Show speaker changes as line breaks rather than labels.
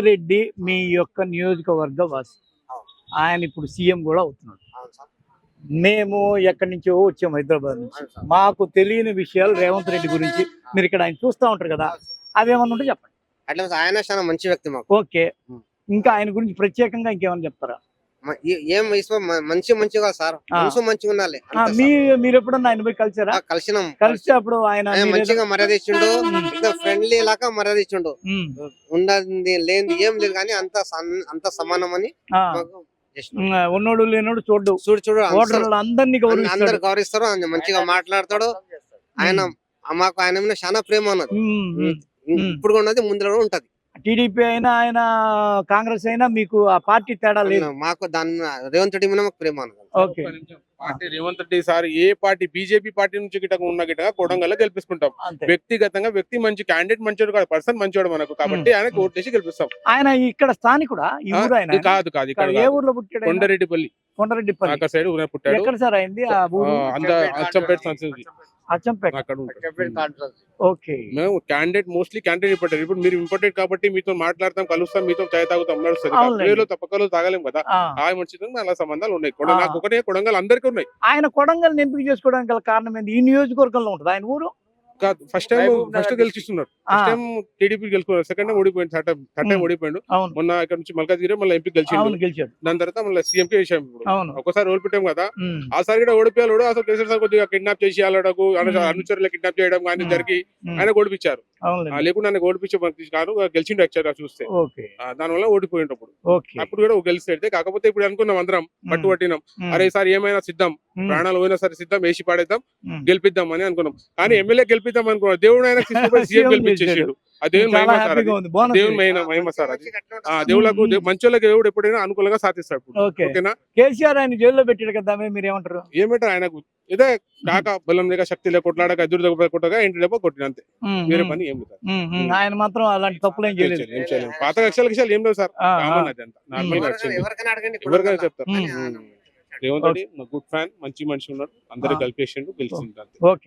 రెడ్డి మీ యొక్క నియోజకవర్గ వాసి. ఆయన ఇప్పుడు సీఎం కూడా అవుతున్నాడు. మేము ఎక్కడి నుంచో వచ్చాము హైదరాబాద్ నుంచి. మాకు తెలియని విషయాలు రేవంత్ రెడ్డి గురించి మీరు ఇక్కడ ఆయన చూస్తూ ఉంటారు కదా, అవేమన్నా ఉంటే చెప్పండి.
అట్లా ఆయన చాలా మంచి వ్యక్తి మాకు.
ఓకే, ఇంకా ఆయన గురించి ప్రత్యేకంగా ఇంకేమైనా చెప్తారా?
ఏం మంచిగా సార్, మనసు మంచిగా ఉండాలి.
మీరు ఎప్పుడన్నా ఆయన పోయి కలిసారా?
కలిసినాం.
కలిసి అప్పుడు ఆయన
మంచిగా మర్యాద ఇచ్చిండు, ఫ్రెండ్లీ లాగా మర్యాద ఇచ్చిండు. ఉండదు లేని ఏం లేదు కానీ అంత సమానం అని
ఉన్నోడు లేనోడు చూడు
చూడు
ఓటర్లు అందరినీ
అందరు గౌరవిస్తారు. మంచిగా మాట్లాడతాడు ఆయన. మాకు ఆయన మీద చాలా ప్రేమ ఉన్నది, ఇప్పుడు ఉన్నది, ముందు ఉంటది.
టీడీపీ అయినా ఆయన కాంగ్రెస్ అయినా మీకు ఆ పార్టీ తేడా లేదు.
మాకు దాని రేవంత్ రెడ్డి మీద మాకు ప్రేమ ఉన్నది.
Okay,
party Revanth Reddy sir ఏ పార్టీ బీజేపీ పార్టీ నుంచి గిట్ట ఉన్న గిట్ట కొడంగల్ గెలిపిస్తుంటాం. వ్యక్తిగతంగా వ్యక్తి మంచి క్యాండిడేట్ మంచోడు కాదు, పర్సన్ మంచోడు మనకు, కాబట్టి ఆయన ఓటు వేసి గెలిపిస్తాం.
ఆయన ఇక్కడ స్థానికుడా?
కాదు ఇక్కడ
ఏ ఊర్లో పుట్టాడు?
కొండరెడ్డిపల్లి
సైడ్
పుట్టాడు.
ఎక్కడ సార్ అయింది ఆ ఊరు?
అచ్చంపేట సంస్థ
అచ్చంపేట. ఓకే,
మేము క్యాండిడేట్ మోస్ట్లీ క్యాండిడేట్ ఇంపార్టెంట్. ఇప్పుడు మీరు ఇంపార్టెంట్ కాబట్టి మీతో మాట్లాడతాం, కలుస్తాం, మీతో చాయ్ తాగుతాం, నడుస్తుంది. తప్పకలు తాగలేం కదా, ఆ మంచిగా అలా సంబంధాలు ఉన్నాయి. నాకు ఒకటే కొడంగల్ అందరికీ ఉన్నాయి.
ఆయన కొడంగల్ ఎంపిక చేసుకోవడానికి గల కారణం ఏంటి? ఈ నియోజకవర్గంలో ఉంటుంది ఆయన ఊరు.
ఫస్ట్ గెలిచిస్తున్నారు. ఫస్ట్ టైం టీడీపీ గెలుచుకున్నారు, సెకండ్ టైం ఓడిపోయింది, థర్డ్ టైం ఓడిపోయాడు. మొన్న ఇక్కడ నుంచి మల్కాజ్గిరి మళ్ళీ ఎంపీ గెలిచాడు. దాని తర్వాత మళ్ళీ సీఎం కి వేసాం. ఒకసారి ఓడిపోయాం కదా, ఆసారి కూడా ఓడిపోయాడు. అసలు కేసీఆర్ సార్ కొద్దిగా కిడ్నాప్ చేసి వాళ్ళకు అనుచరులు కిడ్నాప్ చేయడం కానీ జరిగి ఆయన ఓడిపించారు. లేకుండా ఆయన ఓడిపించే కాదు, గెలిచిండు యాక్చువల్ గా చూస్తే. దాని వల్ల ఓడిపోయినప్పుడు అప్పుడు కూడా గెలిస్తే. కాకపోతే ఇప్పుడు అనుకున్నాం అందరం, పట్టుబట్టినాం, అరే సార్ ఏమైనా సిద్ధం, ప్రాణాలు పోయినా సరే సిద్ధం, వేసి పాడేద్దాం, గెలిపిద్దాం అని అనుకున్నాం. కానీ ఎమ్మెల్యే గెలిపిద్దాం అనుకున్నాం, దేవుడు ఆయన సీఎం గెలిపించేసాడు. ఆ దేవుని మహిమ సార్, దేవుని మహిమ సార్ అది. దేవుళ్ళకు మంచోళ్ళకి దేవుడు ఎప్పుడైనా అనుకూలంగా సాధిస్తాడు. ఓకేనా?
కేసీఆర్ ఆయన జైల్లో పెట్టాడు కదా, మీరు ఏమంటారు?
ఏమంటారు, ఆయనకు ఇదే కాక బలం లేక శక్తి లేక కొట్లాడక ఎదురు కొట్టగా ఇంటి లేక కొట్టిన అంతే, వేరే పని ఏం లేదు.
ఆయన మాత్రం అలాంటి తప్పులు ఏం చేయలేదు.
పాత కక్షలు ఏం లేవు సార్, కామన్ అది అంతా నార్మల్ గా ఎవరికైనా చెప్తారు. రేవంత్ రెడ్డి గుడ్ ఫ్యాన్, మంచి మనిషి ఉన్నాడు, అందరూ కలిపేసిండు, గెలిచిండు అంతే.